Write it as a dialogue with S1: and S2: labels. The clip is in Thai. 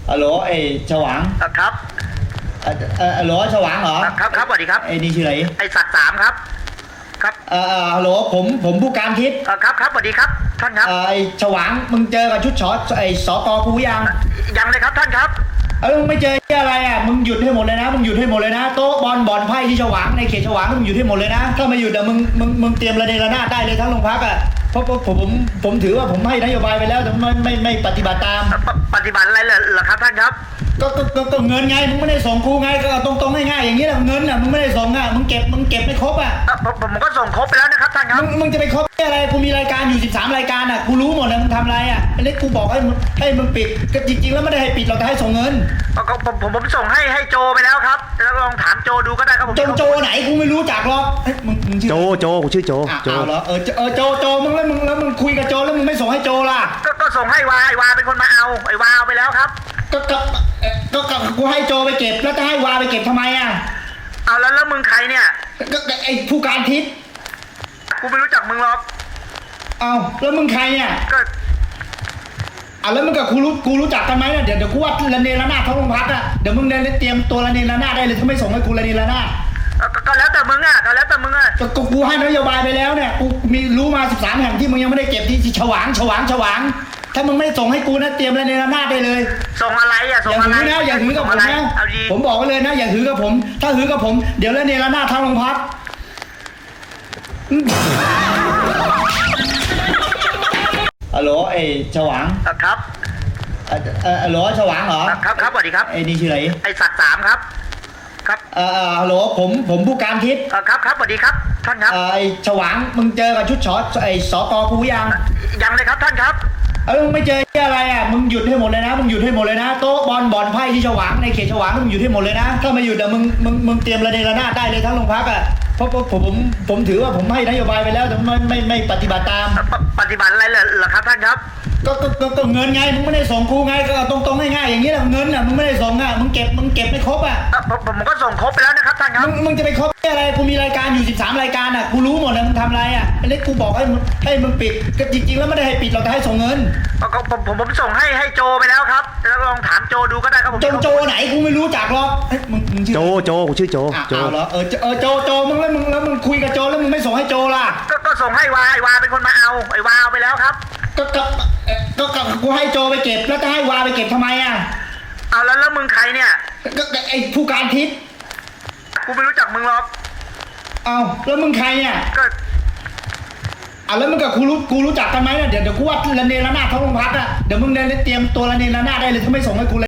S1: ฮัลโหลไอ้ฉวาง
S2: ครับ
S1: ฮัลโหลฉวางเหรอ
S2: ครับสวัสดีครับ
S1: ไอ้นี่ชื่ออะไร
S2: ไอ้ศักดิ์สามครับครับ
S1: ฮัลโหลผมผู้การทิพย์
S2: ครับสวัสดีครับท่านครับ
S1: ไอ้ฉวางมึงเจอกับชุดไอ้สกกู
S2: ยังเลยครับท่านครับ
S1: มึงไม่เจอที่อะไรอ่ะมึงหยุดให้หมดเลยนะมึงหยุดให้หมดเลยนะโต๊ะบ่อนไพ่ที่ฉวางในเขตฉวางมึงหยุดให้หมดเลยนะถ้าไม่หยุดอ่ะมึงเตรียมระเนระนาดได้เลยทั้งโรงพักอ่ะเพราะผมถือว่าผมให้นโยบายไปแล้วแต่ไม่ปฏิบัติตาม
S2: ปฏิบัติอะไรเหรอครับท่านครับ
S1: ก็เงินไงมึงไม่ได้ส่งกูไงก็ตรงง่ายๆอย่างนี้แหละเงินอ่ะมึงไม่ได้ส่งอ่ะมึงเก็บไม่ครบอ่ะ
S2: ผมก็ส่งครบไปแล้วนะครับท่านครับ
S1: มึงจะไปครบอะไรกูมีรายการอยู่13รายการอ่ะกูรู้หมดนะมึงทำอะไรอ่ะไอ้เล็กกูบอกให้มึงปิดก็จริงๆแล้วไม่ได้ให้ปิดเราแต่ให้ส่งเงิน
S2: ผมส่งให้โจไปแล้วครับแล้วลองถามโจดูก็ได้ครับผม
S1: โจไหนกูไม่รู้จักหรอกมึงชื่อ
S3: โจกูชื่อโจ
S1: เหรอโจมึงแล้วมึงคุยกับโจแล้วมึงไม่ส่งให้โจล่ะ
S2: ก็ส่งให้วาเป็นคนมาเอาไอ้วาเอาไปแล้วครับ
S1: ก็กูให้โจไปเก็บแล้วจะให้วาไปเก็บทำไมอ่ะ
S2: เอาแล้วมึงใครเนี่ย
S1: ก็ไอ้ผู้การทิพย์
S2: กูไม่รู้จักมึงหรอก
S1: เอาแล้วมึงใครเนี่ย
S2: ก็
S1: แล้วมึงกับกูรู้จักกันไหมเนี่ยเดี๋ยวกูว่าระเนระนาดทั้งโรงพักอ่ะเดี๋ยวมึงเตรียมตัวระเนระนาดได้เลยถ้าไม่ส่งให้กูระเนระนาด
S2: ก็แล้วแต่มึงอ่ะ
S1: ก็กูให้นโยบายไปแล้วเนี่ยกูมีรู้มา13แห่งที่มึงยังไม่ได้เก็บที่ฉวางถ้ามึงไม่ส่งให้กูนะเตรียมระเนระนาดได้เลย
S2: ส่งอะไรอ่ะส่งอะไร
S1: อย่าหือกับผมนะผมบอกไว้เลยนะอย่าหือกับผมถ้าหือกับผมเดี๋ยวระเนระนาดทั้งโรงพักฮัลโหลไอ้ฉวาง
S2: ครับ
S1: ฮัลโหลฉวางเหรอ
S2: ครับสวัสดีครับ
S1: ไอ้นี่ชื่ออะไร
S2: ไอ้ศักดิ์สามครับ
S1: ฮัลโหลผมผู้การทิพย์
S2: ครับสวัสดีครับท่านครับ
S1: ไอ้ฉวางมึงเจอกับชุดไอ้สกกู
S2: ยังเลยครับท่านครับ
S1: มึงไม่เจอที่อะไรอ่ะมึงหยุดให้หมดเลยนะมึงหยุดให้หมดเลยนะโต๊ะบ่อนไพ่ที่ฉวางในเขตฉวางมึงหยุดให้หมดเลยนะถ้าไม่หยุดอ่ะมึงเตรียมระเนระนาดได้เลยทั้งโรงพักอ่ะเพราะผมถือว่าผมให้นโยบายไปแล้วแต่ไม่ปฏิบัติตาม
S2: ปฏิบัติอะไรเหรอครับท่านครับ
S1: ก็เงินไงมึงไม่ได้ส่งกูไงก็ตรงง่ายๆอย่างนี้แหละเงินอ่ะมึงไม่ได้ส่งอ่ะมึงเก็บไม่ครบอ่ะ
S2: ผมก็ส่งครบไปแล้วนะครับท่านครับ
S1: มึงจะไปครบอะไรกูมีรายการอยู่13รายการอ่ะกูรู้หมดนะมึงทำอะไรอ่ะไอ้เล็กกูบอกให้มึงปิดก็จริงๆแล้วไม่ได้ให้ปิดเราแต่ให้ส่งเงิน
S2: ผมส่งให้โจไปแล้วครับแล้วลองถามโจดูก็ได้ครับผม
S1: โจไหนกูไม่รู้จักหรอกมึงชื่อ
S3: โจกูชื่อโจ
S1: เหรอโจมึงแล้วมึงคุยกับโจแล้วมึงไม่ส่งให้โจล่ะ
S2: ก็ส่งให้วาเป็นคนมาเอาไอ้วาเอาไปแล้วครับ
S1: ก็กูให้โจไปเก็บแล้วจะให้วาไปเก็บทำไมอ่ะ
S2: เอาแล้วมึงใครเนี่ย
S1: ก็ไอ้ผู้การทิพย์
S2: กูไม่รู้จักมึงหรอก
S1: เอาแล้วมึงใครเนี่ยก็แล้วมึงกับกูรู้จักกันไหมเนี่ยเดี๋ยวกูว่าระเนระนาดทั้งโรงพักอ่ะเดี๋ยวมึงเตรียมตัวระเนระนาดได้เลยถ้าไม่ส่งให้กู